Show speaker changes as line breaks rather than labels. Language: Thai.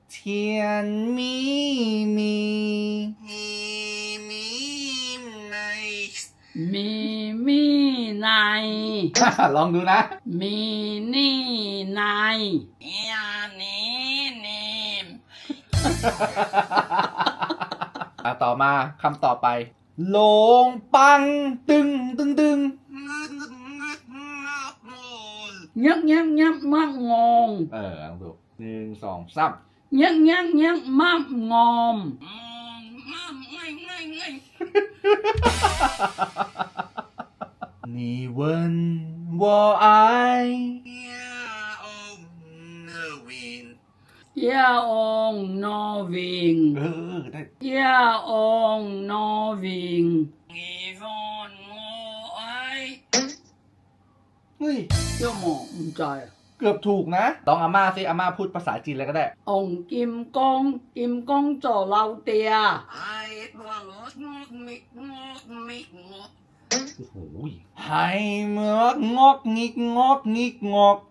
เทียนมีมีใน
มีใน
ลองดูนะ
มีนี่ใน
ยานี้นิม
ต่อมาคำต่อไปโลงปังตึงตึงตึง
ยักยักยักมักงง
ลองดู1 2 3
ยักยักยักมักงอม
นี่เวินวอไอ
ย่าองนอวิง
ได้
ย่าองนอวิง
เฮ้ย
ย่าหมอมใจ
เกือบถูกนะลองอาม่าสิอาม่าพูดภาษาจีนอะไรก็ได้
องกิมกงจ่อเราเตีย
โอ้โหไฮเมือกงอกงิกงอกงิกงอก